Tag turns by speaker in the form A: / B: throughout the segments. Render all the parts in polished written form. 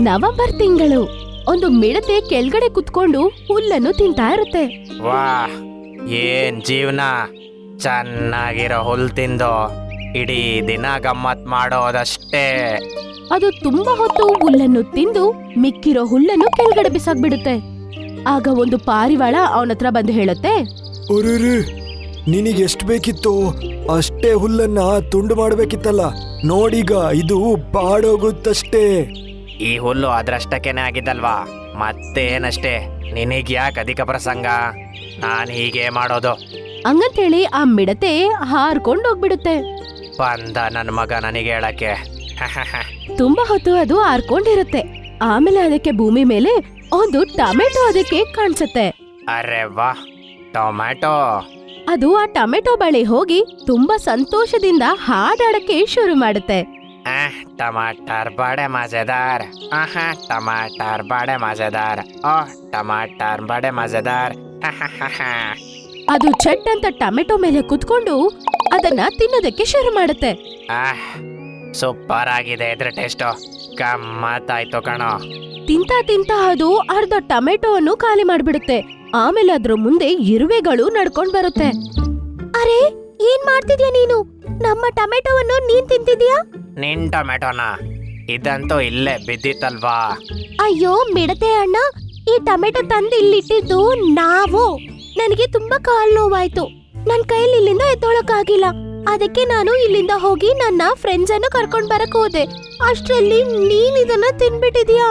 A: November ತಿಂಗಳು ಒಂದು ಮಿಡತೆ ಕೆಳಗಡೆ ಕುತ್ಕೊಂಡು ಹುಲ್ಲನ್ನು ತಿಂತಾ ಇರುತ್ತೆ.
B: ವಾಹ್, ಏನ್ ಜೀವನ! ಚೆನ್ನಾಗಿರೋ ಹುಲ್ ತಿಂದು ಇಡೀ ದಿನ ಗಮ್ಮತ್ ಮಾಡೋದಷ್ಟೇ.
A: ಅದು ತುಂಬಾ ಹೊತ್ತು ಹುಲ್ಲನ್ನು ತಿಂದು ಮಿಕ್ಕಿರೋ ಹುಲ್ಲನ್ನು ಕೆಳಗಡೆ ಬಿಸಾಕ್ಬಿಡುತ್ತೆ. ಆಗ ಒಂದು ಪಾರಿವಾಳ ಅವನತ್ರ ಬಂದು ಹೇಳುತ್ತೆ,
C: ಅರೆ, ನಿನಗೆ ಎಷ್ಟು ಬೇಕಿತ್ತು ಅಷ್ಟೇ ಹುಲ್ಲನ್ನ ತುಂಡು ಮಾಡ್ಬೇಕಿತ್ತಲ್ಲ. ನೋಡೀಗ ಇದು ಬಾಡೋಗುತ್ತಷ್ಟೇ.
B: ಈ ಹುಲ್ಲು ಅದ್ರಷ್ಟಕ್ಕೇನೆ ಆಗಿದ್ದಲ್ವಾ, ಮತ್ತೇನಷ್ಟೇ. ನಿನಗ್ಯಾಕೆ ಅಧಿಕ ಪ್ರಸಂಗ? ನಾನು ಹೀಗೆ ಮಾಡೋದು.
A: ಹಂಗಂತೇಳಿ ಆ ಮಿಡತೆ ಹಾರ್ಕೊಂಡು ಹೋಗ್ಬಿಡುತ್ತೆ.
B: ಬಂದ ನನ್ನ ಮಗ ನನಗೆ ಹೇಳಕ್ಕೆ.
A: ತುಂಬಾ ಹೊತ್ತು ಅದು ಹಾರ್ಕೊಂಡಿರುತ್ತೆ. ಆಮೇಲೆ ಅದಕ್ಕೆ ಭೂಮಿ ಮೇಲೆ ಒಂದು ಟೊಮೆಟೊ ಅದಕ್ಕೆ ಕಾಣಿಸುತ್ತೆ.
B: ಅರೆ ವಾ, ಟೊಮ್ಯಾಟೊ!
A: ಅದು ಆ ಟೊಮೆಟೊ ಬಳಿ ಹೋಗಿ ತುಂಬಾ ಸಂತೋಷದಿಂದ ಹಾಡಾಡಕ್ಕೆ ಶುರು ಮಾಡುತ್ತೆ.
B: टमाटर बड़े मजेदार, टमाटर बड़े मजेदार, ओह टमाटर बड़े मजेदार.
A: ಅದು ಚಟ್ ಅಂತ ಟೊಮೆಟೊ ಮೇಲೆ ಕುತ್ಕೊಂಡು ಅದನ್ನ ತಿನ್ನೋದಕ್ಕೆ ಶುರು ಮಾಡುತ್ತೆ.
B: ಸೂಪರ್ ಆಗಿದೆ ಇದ್ರ ಟೇಸ್ಟು, ಗಮ್ಮತ್ತಾಯ್ತು ಕಣೋ.
A: ತಿಂತಾ ತಿಂತಾ ಅದು ಅರ್ಧ ಟೊಮೆಟೊವನ್ನು ಖಾಲಿ ಮಾಡ್ಬಿಡುತ್ತೆ. ಆಮೇಲೆ ಅದ್ರ ಮುಂದೆ ಇರುವೆಗಳು ನಡ್ಕೊಂಡ್ ಬರುತ್ತೆ. ಅರೆ, ಏನ್ ಮಾಡ್ತಿದ್ಯಾ ನೀನು? ನಮ್ಮ ಟೊಮೆಟೊವನ್ನು ನೀನ್ ತಿಂತಿದ್ಯಾ?
B: ನಿನ್ ಟೊಮೆಟೊನ? ಇದಂತೂ ಇಲ್ಲೇ ಬಿದ್ದಿತ್ತಲ್ವಾ.
A: ಅಯ್ಯೋ ಮಿಡತೆ ಅಣ್ಣ, ಈ ಟೊಮೆಟೊ ತಂದು ಇಲ್ಲಿಟ್ಟಿದ್ದು ನಾವು. ನನಗೆ ತುಂಬಾ ಕಾಲ್ ನೋವಾಯ್ತು. ನನ್ ಕೈಯಲ್ಲಿ ಇಲ್ಲಿಂದ ಎದ್ದೊಳಕ್ಕಾಗಿಲ್ಲ. ಅದಕ್ಕೆ ನಾನು ಇಲ್ಲಿಂದ ಹೋಗಿ ನನ್ನ ಫ್ರೆಂಡ್ಸ್ ಅನ್ನು ಕರ್ಕೊಂಡ್ ಬರಕ್ ಹೋದೆ. ಅಷ್ಟ್ರಲ್ಲಿ ನೀನ್ ಇದನ್ನ ತಿನ್ಬಿಟ್ಟಿದ್ಯಾ?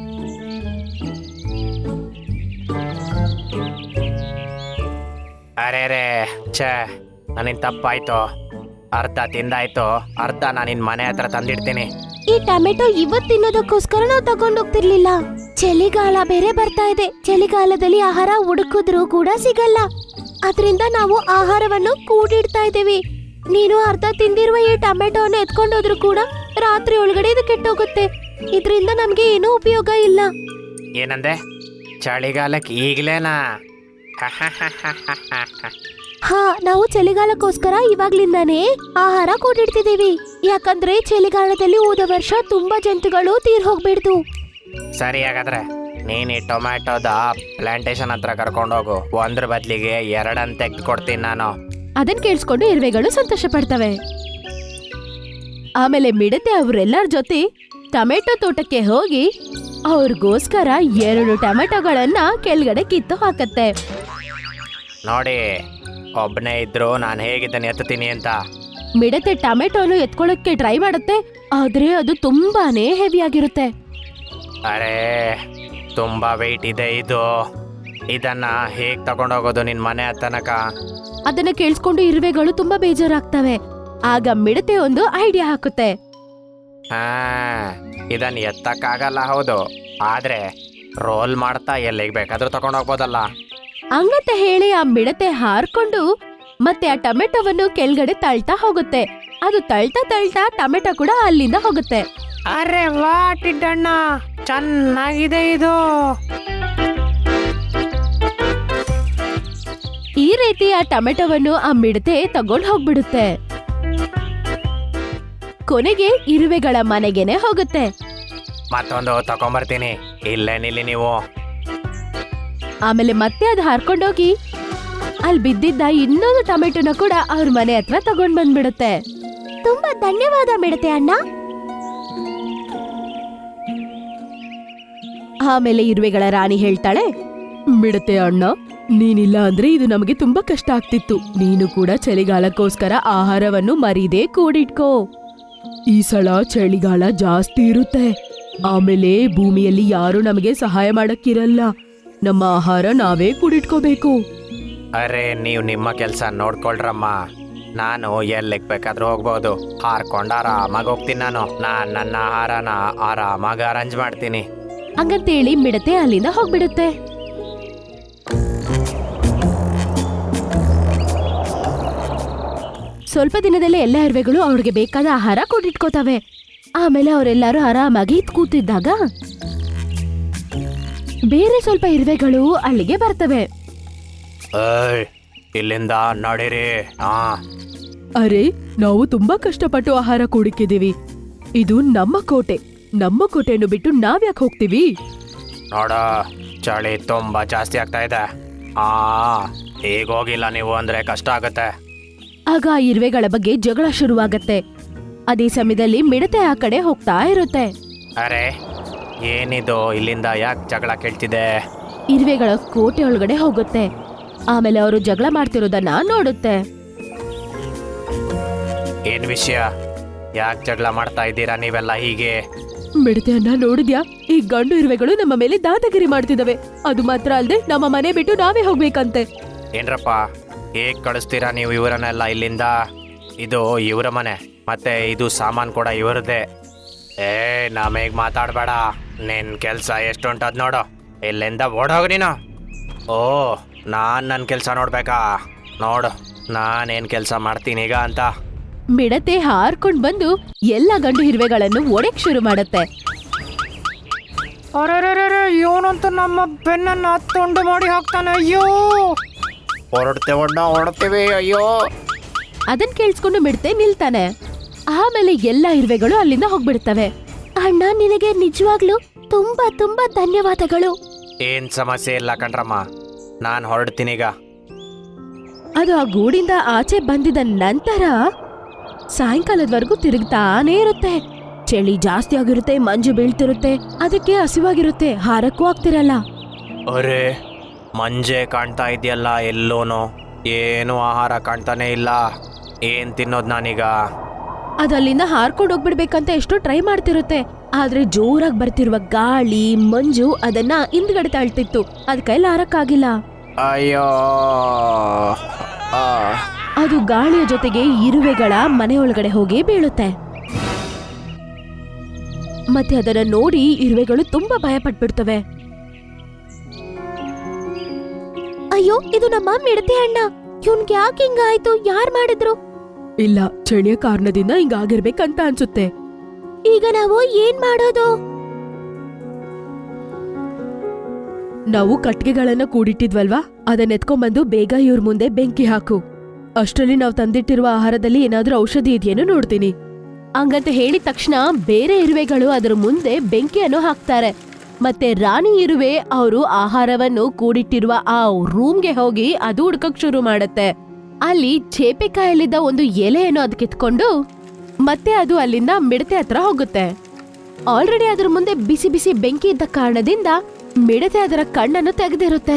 B: ಅರೆ ರೇ, ಛೇ, ನನ್ನಿನ್ ತಪ್ಪಾಯ್ತು. ಅರ್ಧ ತಿಂದಾಯ್ತು, ಅರ್ಧ ನಾನಿನ್ ಮನೆ ಹತ್ರ ತಂದಿಡ್ತೀನಿ.
A: ಈ ಟೊಮೆಟೊ ಇವತ್ ತಿನ್ನೋದಕ್ಕೋಸ್ಕರ ನಾವು ತಗೊಂಡೋಗ್ತಿರ್ಲಿಲ್ಲ. ಚಳಿಗಾಲ ಬೇರೆ ಬರ್ತಾ ಇದೆ. ಚಳಿಗಾಲದಲ್ಲಿ ಆಹಾರ ಹುಡುಕಿದ್ರೂ ಕೂಡ ಸಿಗಲ್ಲ. ಅದರಿಂದ ನಾವು ಆಹಾರವನ್ನು ಕೂಡಿಡ್ತಾ ಇದ್ದೀವಿ. ನೀನು ಅರ್ಧ ತಿಂದಿರುವ ಈ ಟೊಮೆಟೊವನ್ನು ಎತ್ಕೊಂಡೋದ್ರು ಕೂಡ ರಾತ್ರಿ ಒಳಗಡೆ ಇದು ಕೆಟ್ಟೋಗುತ್ತೆ. ಇದರಿಂದ ನಮ್ಗೆ ಏನೂ ಉಪಯೋಗ ಇಲ್ಲ.
B: ಏನಂದೆ? ಚಳಿಗಾಲಕ್ಕೆ ಈಗ್ಲೇನಾ?
A: ಹಾ, ನಾವು ಚಳಿಗಾಲಕ್ಕೋಸ್ಕರ ಇವಾಗ್ಲಿಂದಾನೇ ಆಹಾರ ಕೂಡಿಡ್ತಿದೀವಿ. ಯಾಕಂದ್ರೆ ಚಳಿಗಾಲದಲ್ಲಿ ಹೋದ ವರ್ಷ ತುಂಬಾ ಜಂತುಗಳು ತೀರ್ ಹೋಗ್ಬಿಡ್ತು.
B: ಸರಿ, ಹಾಗಾದ್ರೆ ನೀನ್ ಈ ಟೊಮ್ಯಾಟೋದ ಪ್ಲಾಂಟೇಶನ್ ಹತ್ರ ಕರ್ಕೊಂಡೋಗು. ಒಂದ್ರ ಬದ್ಲಿಗೆ ಎರಡನ್ ತೆಗ್ದು ಕೊಡ್ತೀನಿ ನಾನು.
A: ಅದನ್ ಕೇಳಿಸ್ಕೊಂಡು ಇರುವೆಗಳು ಸಂತೋಷ ಪಡ್ತವೆ. ಆಮೇಲೆ ಮಿಡತೆ ಅವರೆಲ್ಲರ ಜೊತೆ ಟೊಮೆಟೊ ತೋಟಕ್ಕೆ ಹೋಗಿ ಅವ್ರಿಗೋಸ್ಕರ 2 ಟೊಮೆಟೊಗಳನ್ನ ಕೆಳಗಡೆ ಕಿತ್ತು ಹಾಕತ್ತೆ.
B: ನೋಡಿ, ಒಬ್ಬನೇ ಇದ್ರು ನಾನು ಹೇಗಿದ್ದಾನೆ ಎತ್ತೀನಿ ಅಂತ.
A: ಮಿಡತೆ ಟೊಮೆಟೊನು ಎತ್ಕೊಳ್ಳೋಕೆ ಟ್ರೈ ಮಾಡುತ್ತೆ. ಆದ್ರೆ ಅದು ತುಂಬಾನೇ ಹೆವಿ ಆಗಿರುತ್ತೆ.
B: ಅರೆ, ತುಂಬಾ ವೆಯ್ಟ್ ಇದೆ ಇದು. ಇದನ್ನ ಹೇಗ್ ತಗೊಂಡೋಗೋದು ನಿನ್ ಮನೆ ತನಕ?
A: ಅದನ್ನ ಕೇಳಿಸ್ಕೊಂಡು ಇರುವೆಗಳು ತುಂಬಾ ಬೇಜಾರಾಗ್ತವೆ. ಆಗ ಮಿಡತೆ ಒಂದು ಐಡಿಯಾ ಹಾಕುತ್ತೆ.
B: ಇದನ್ನ ಎತ್ತಕ್ಕಾಗಲ್ಲ, ಹೌದು, ಆದ್ರೆ ರೋಲ್ ಮಾಡ್ತಾ ಎಲ್ಲಿಗೆ ಬೇಕಾದ್ರೂ ತಗೊಂಡೋಗ್ಬೋದಲ್ಲ.
A: ಹಂಗಂತ ಹೇಳಿ ಆ ಮಿಡತೆ ಹಾರ್ಕೊಂಡು ಮತ್ತೆ ಆ ಟೊಮೆಟೊವನ್ನು ಕೆಳಗಡೆ ತಳ್ತಾ ಹೋಗುತ್ತೆ. ಅದು ತಳ್ತಾ ತಳ್ತಾ ಟೊಮೆಟೊ ಕೂಡ ಅಲ್ಲಿಂದ ಹೋಗುತ್ತೆ.
B: ಅರೆ ವಾ ಟಿಡ್ಡಣ್ಣ, ಚೆನ್ನಾಗಿದೆ ಇದು.
A: ಈ ರೀತಿ ಆ ಟೊಮೆಟೊವನ್ನು ಆ ಮಿಡತೆ ತಗೊಂಡು ಹೋಗ್ಬಿಡುತ್ತೆ. ಕೊನೆಗೆ ಇರುವೆಗಳ ಮನೆಗೆನೆ ಹೋಗುತ್ತೆ.
B: ಮತ್ತೊಂದು ತಗೊಂಬರ್ತೀನಿ, ಇಲ್ಲೇ ನಿಲ್ಲಿ ನೀವು.
A: ಆಮೇಲೆ ಮತ್ತೆ ಅದು ಹಾರ್ಕೊಂಡೋಗಿ ಅಲ್ಲಿ ಬಿದ್ದಿದ್ದ ಇನ್ನೊಂದು ಟೊಮೆಟೊನ ಕೂಡ ಅವ್ರ ಮನೆ ಹತ್ರ ತಗೊಂಡ್ ಬಂದ್ಬಿಡುತ್ತೆ. ತುಂಬಾ ಧನ್ಯವಾದ ಮಿಡತೆ ಅಣ್ಣ. ಆಮೇಲೆ ಇರುವೆಗಳ ರಾಣಿ ಹೇಳ್ತಾಳೆ, ಮಿಡತೆ ಅಣ್ಣ, ನೀನಿಲ್ಲ ಅಂದ್ರೆ ಇದು ನಮಗೆ ತುಂಬಾ ಕಷ್ಟ ಆಗ್ತಿತ್ತು. ನೀನು ಕೂಡ ಚಳಿಗಾಲಕ್ಕೋಸ್ಕರ ಆಹಾರವನ್ನು ಮರೀದೆ ಕೂಡಿಟ್ಕೋ. ಈ ಸಲ ಚಳಿಗಾಲ ಜಾಸ್ತಿ ಇರುತ್ತೆ. ಆಮೇಲೆ ಭೂಮಿಯಲ್ಲಿ ಯಾರು ನಮಗೆ ಸಹಾಯ ಮಾಡಕ್ಕಿರಲ್ಲ. ನಮ್ಮ ಆಹಾರ ನಾವೇ ಕೂಡಿಟ್ಕೋಬೇಕು.
B: ಅರೆ, ನೀವು ನಿಮ್ಮ ಕೆಲಸ ನೋಡ್ಕೊಳ್ರಮ್ಮ. ನಾನು ಎಲ್ಲಿಗೆ ಬೇಕಾದ್ರೂ ಹೋಗ್ಬೋದು. ಹಾರ್ಕೊಂಡು ಆರಾಮಾಗಿ ಹೋಗ್ತೀನಿ. ನಾನು ನನ್ನ ಆಹಾರನ ಆರಾಮಾಗಿ ಅರೇಂಜ್ ಮಾಡ್ತೀನಿ.
A: ಹಂಗಂತೇಳಿ ಮಿಡತೆ ಅಲ್ಲಿಂದ ಹೋಗ್ಬಿಡುತ್ತೆ. ಸ್ವಲ್ಪ ದಿನದಲ್ಲೇ ಎಲ್ಲ ಇರುವೆಗಳು ಅವ್ರಿಗೆ ಬೇಕಾದ ಆಹಾರ ಕೂಡಿಟ್ಕೋತವೆ. ಆಮೇಲೆ ಅವರೆಲ್ಲರೂ ಆರಾಮಾಗಿ ಕೂತಿದ್ದಾಗ ಬೇರೆ ಸ್ವಲ್ಪ ಇರುವೆಗಳು ಅಲ್ಲಿಗೆ ಬರ್ತವೆ.
B: ಇಲ್ಲಿಂದ ನಡೀರಿ.
A: ಅರೆ, ನಾವು ತುಂಬಾ ಕಷ್ಟಪಟ್ಟು ಆಹಾರ ಕೂಡಿಕ್ಕಿದೀವಿ. ಇದು ನಮ್ಮ ಕೋಟೆ. ನಮ್ಮ ಕೋಟೆಯನ್ನು ಬಿಟ್ಟು ನಾವ್ಯಾಕೆ ಹೋಗ್ತೀವಿ?
B: ನೋಡ, ಚಳಿ ತುಂಬಾ ಜಾಸ್ತಿ ಆಗ್ತಾ ಇದೆ. ಈಗ ಹೋಗಿಲ್ಲ ನೀವು ಅಂದ್ರೆ ಕಷ್ಟ ಆಗುತ್ತೆ.
A: ಆಗ ಆ ಇರುವೆಗಳ ಬಗ್ಗೆ ಜಗಳ ಶುರುವಾಗತ್ತೆ. ಅದೇ ಸಮಯದಲ್ಲಿ ಮಿಡತೆ ಆ ಕಡೆ ಹೋಗ್ತಾ ಇರುತ್ತೆ.
B: ಅರೆ, ಏನಿದು, ಇಲ್ಲಿಂದ ಯಾಕೆ ಜಗಳ ಕೇಳ್ತಿದೆ?
A: ಇರುವೆಗಳ ಕೋಟೆ ಒಳಗಡೆ ಹೋಗುತ್ತೆ. ಆಮೇಲೆ ಅವರು ಜಗಳ ಮಾಡ್ತಿರೋದನ್ನ ನೋಡುತ್ತೆ.
B: ಏನ್ ವಿಷಯ? ಯಾಕೆ ಜಗಳ ಮಾಡ್ತಾ ಇದ್ದೀರಾ ನೀವೆಲ್ಲ ಹೀಗೆ?
A: ಮಿಡತೆಯನ್ನ ನೋಡಿದ್ಯಾ? ಈ ಗಂಡು ಇರುವೆಗಳು ನಮ್ಮ ಮೇಲೆ ದಾದಾಗಿರಿ ಮಾಡ್ತಿದವೆ. ಅದು ಮಾತ್ರ ಅಲ್ಲದೆ ನಮ್ಮ ಮನೆ ಬಿಟ್ಟು ನಾವೇ ಹೋಗ್ಬೇಕಂತೆ.
B: ಏನ್ರಪ್ಪ, ಹೇಗ್ ಕಳಿಸ್ತೀರಾ ನೀವು ಇವರನ್ನೆಲ್ಲ ಇಲ್ಲಿಂದ? ಇದು ಇವರ ಮನೆ, ಮತ್ತೆ ಇದು ಸಾಮಾನು ಕೂಡ ಇವರದೇ. ನಮಗ್ ಮಾತಾಡ್ಬೇಡ. ನಿನ್ ಕೆಲ್ಸ ಎಷ್ಟುಂಟದ್ ನೋಡು. ಇಲ್ಲಿಂದ ಓಡೋಗ ನೀನು. ಓ, ನಾನ್ ನನ್ನ ಕೆಲಸ ನೋಡ್ಬೇಕಾ? ನೋಡು, ನಾನೇನ್ ಕೆಲಸ ಮಾಡ್ತೀನಿ ಈಗ ಅಂತ.
A: ಮಿಡತೆ ಹಾರ್ಕೊಂಡ್ ಬಂದು ಎಲ್ಲ ಗಂಡು ಇರುವೆಗಳನ್ನು ಒಡೆಕ್ ಶುರು ಮಾಡತ್ತೆ.
B: ಇವನಂತೂ ನಮ್ಮ ಬೆನ್ನನ್ನ ತುಂಡು ಮಾಡಿ ಹಾಕ್ತಾನೆ. ಅಯ್ಯೋ, ಹೊರಡ್ತೇವೆ. ಅಯ್ಯೋ,
A: ಅದನ್ ಕೇಳಿಸ್ಕೊಂಡು ಮಿಡತೆ ನಿಲ್ತಾನೆ. ಆಮೇಲೆ ಎಲ್ಲ ಇರುವೆಗಳು ಅಲ್ಲಿಂದ ಹೋಗ್ಬಿಡ್ತವೆ. ಅಣ್ಣ, ನಿನಗೆ ನಿಜವಾಗ್ಲೂ ತುಂಬಾ ತುಂಬಾ ಧನ್ಯವಾದಗಳು.
B: ಏನ್ ಸಮಸ್ಯೆ ಇಲ್ಲ ಕಣ್ರಮ್ಮ, ನಾನು ಹೊರಡ್ತೀನೀಗ.
A: ಅದು ಆ ಗೂಡಿಂದ ಆಚೆ ಬಂದಿದ ನಂತರ ಸಾಯಂಕಾಲದವರೆಗೂ ತಿರುಗ್ತಾನೇ ಇರುತ್ತೆ. ಚಳಿ ಜಾಸ್ತಿ ಆಗಿರುತ್ತೆ, ಮಂಜು ಬೀಳ್ತಿರುತ್ತೆ. ಅದಕ್ಕೆ ಹಸಿವಾಗಿರುತ್ತೆ, ಹಾರಕ್ಕೂ ಆಗ್ತಿರಲ್ಲ.
B: ಅರೆ, ಮಂಜೆ ಕಾಣ್ತಾ ಇದೆಯಲ್ಲ ಎಲ್ಲೋನು, ಏನು ಆಹಾರ ಕಾಣ್ತಾನೆ ಇಲ್ಲ. ಏನ್ ತಿನ್ನೋದು ನಾನೀಗ?
A: ಅದು ಅಲ್ಲಿಂದ ಹಾರ್ಕೊಂಡು ಹೋಗ್ಬಿಡ್ಬೇಕಂತ ಎಷ್ಟೋ ಟ್ರೈ ಮಾಡ್ತಿರುತ್ತೆ. ಆದ್ರೆ ಜೋರಾಗಿ ಬರ್ತಿರುವ ಗಾಳಿ, ಮಂಜು ಅದನ್ನ ಹಿಂದ್ಗಡೆ ತಾಳ್ತಿತ್ತು. ಅದ್ ಕೈಲಿ ಹಾರಕ್ಕಾಗಿಲ್ಲ.
B: ಅಯ್ಯೋ,
A: ಅದು ಗಾಳಿಯ ಜೊತೆಗೆ ಇರುವೆಗಳ ಮನೆಯೊಳಗಡೆ ಹೋಗಿ ಬೀಳುತ್ತೆ. ಮತ್ತೆ ಅದನ್ನ ನೋಡಿ ಇರುವೆಗಳು ತುಂಬಾ ಭಯ ಪಟ್ಬಿಡ್ತವೆ. ಅಯ್ಯೋ, ಇದು ನಮ್ಮ ಮಿಡತೆ ಅಣ್ಣ. ಇವ್ನ್ಗೆ ಯಾಕೆ ಹಿಂಗಾಯ್ತು? ಯಾರ್ ಮಾಡಿದ್ರು? ಇಲ್ಲ, ಚಳಿಯ ಕಾರಣದಿಂದ ಹಿಂಗಾಗಿರ್ಬೇಕಂತ ಅನ್ಸುತ್ತೆ. ಈಗ ನಾವು ಏನ್ ಮಾಡೋದು? ನಾವು ಕಟ್ಟಿಗೆಗಳನ್ನ ಕೂಡಿಟ್ಟಿದ್ವಲ್ವಾ, ಅದನ್ನ ಎತ್ಕೊಂಡ್ಬಂದು ಬೇಗ ಇವ್ರ ಮುಂದೆ ಬೆಂಕಿ ಹಾಕು. ಅಷ್ಟರಲ್ಲಿ ನಾವು ತಂದಿಟ್ಟಿರುವ ಆಹಾರದಲ್ಲಿ ಏನಾದ್ರೂ ಔಷಧಿ ಇದೆಯೇನೋ ನೋಡ್ತೀನಿ. ಹಂಗಂತ ಹೇಳಿದ ತಕ್ಷಣ ಬೇರೆ ಇರುವೆಗಳು ಅದರ ಮುಂದೆ ಬೆಂಕಿಯನ್ನು ಹಾಕ್ತಾರೆ. ಮತ್ತೆ ರಾಣಿ ಇರುವೆ ಅವರು ಆಹಾರವನ್ನು ಕೂಡಿಟ್ಟಿರುವ ಆ ರೂಮ್ಗೆ ಹೋಗಿ ಅದು ಹುಡ್ಕಕ್ ಶುರು ಮಾಡತ್ತೆ. ಅಲ್ಲಿ ಚೇಪೆಕಾಯಲ್ಲಿದ್ದ ಒಂದು ಎಲೆಯನ್ನು ಅದು ಕಿತ್ಕೊಂಡು ಮತ್ತೆ ಅದು ಅಲ್ಲಿಂದ ಮಿಡತೆ ಹತ್ರ ಹೋಗುತ್ತೆ. ಆಲ್ರೆಡಿ ಅದ್ರ ಮುಂದೆ ಬಿಸಿ ಬಿಸಿ ಬೆಂಕಿ ಇದ್ದ ಕಾರಣದಿಂದ ಮಿಡತೆ ಅದರ ಕಣ್ಣನ್ನು ತೆಗೆದಿರುತ್ತೆ.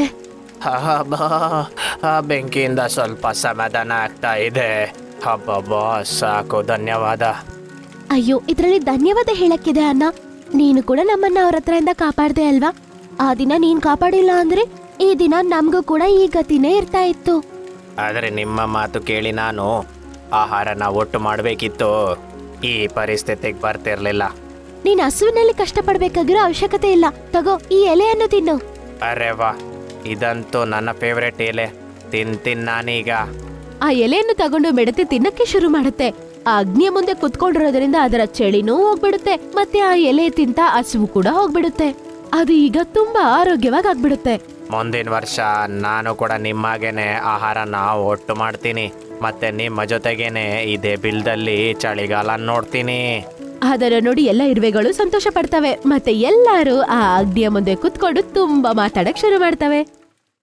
B: ಬೆಂಕಿಯಿಂದ ಸ್ವಲ್ಪ ಸಮಾಧಾನ ಆಗ್ತಾ ಇದೆ. ಹಬ್ಬ, ಸಾಕು, ಧನ್ಯವಾದ.
A: ಅಯ್ಯೋ, ಇದ್ರಲ್ಲಿ ಧನ್ಯವಾದ ಹೇಳಕ್ಕಿದೆ ಅಣ್ಣ. ನೀನು ಕೂಡ ನಮ್ಮನ್ನ ಅವ್ರ ಹತ್ರದಿಂದ ಕಾಪಾಡ್ದೆ ಅಲ್ವಾ? ಆ ದಿನ ನೀನ್ ಕಾಪಾಡಿಲ್ಲ ಅಂದ್ರೆ ಈ ದಿನ ನಮ್ಗೂ ಕೂಡ ಈ ಗತಿನೇ ಇರ್ತಾ ಇತ್ತು.
B: ಆದ್ರೆ ನಿಮ್ಮ ಮಾತು ಕೇಳಿ ನಾನು ಆಹಾರನ ಒಟ್ಟು ಮಾಡಬೇಕಿತ್ತು. ಈ ಪರಿಸ್ಥಿತಿಗೆ ಬರ್ತಿರ್ಲಿಲ್ಲ.
A: ನೀನ್ ಹಸುವಿನಲ್ಲಿ ಕಷ್ಟಪಡ್ಬೇಕಾಗಿರೋ ಅವಶ್ಯಕತೆ ಇಲ್ಲ. ತಗೋ, ಈ ಎಲೆಯನ್ನು ತಿನ್ನು.
B: ಅರೆ ವಾ, ಇದಂತೂ ನನ್ನ ಫೇವ್ರೆಟ್ ಎಲೆ. ತಿಂತೀನಿ ನಾನೀಗ.
A: ಆ ಎಲೆಯನ್ನು ತಗೊಂಡು ಮಿಡತೆ ತಿನ್ನಕ್ಕೆ ಶುರು ಮಾಡುತ್ತೆ. ಆ ಅಗ್ನಿಯ ಮುಂದೆ ಕುತ್ಕೊಂಡಿರೋದ್ರಿಂದ ಅದರ ಚಳಿನೂ ಹೋಗ್ಬಿಡುತ್ತೆ. ಮತ್ತೆ ಆ ಎಲೆ ತಿಂತ ಹಸುವು ಕೂಡ ಹೋಗ್ಬಿಡುತ್ತೆ. ಅದು ಈಗ ತುಂಬಾ ಆರೋಗ್ಯವಾಗಿ ಆಗ್ಬಿಡುತ್ತೆ.
B: ಮುಂದಿನ ವರ್ಷ ನಾನು ಕೂಡ ನಿಮ್ಮಾಗೇನೆ ಆಹಾರನ ಒಟ್ಟು ಮಾಡ್ತೀನಿ. ಮತ್ತೆ ನಿಮ್ಮ ಜೊತೆಗೇನೆ ಇದೇ ಬಿಲ್ದಲ್ಲಿ ಚಳಿಗಾಲ ನೋಡ್ತೀನಿ.
A: ಅದರ ನೋಡಿ ಎಲ್ಲ ಇರುವೆಗಳು ಸಂತೋಷ ಪಡ್ತವೆ. ಮತ್ತೆ ಎಲ್ಲರೂ ಆ ಅಗ್ನಿಯ ಮುಂದೆ ಕುತ್ಕೊಂಡು ತುಂಬಾ ಮಾತಾಡಕ್ ಶುರು ಮಾಡ್ತವೆ.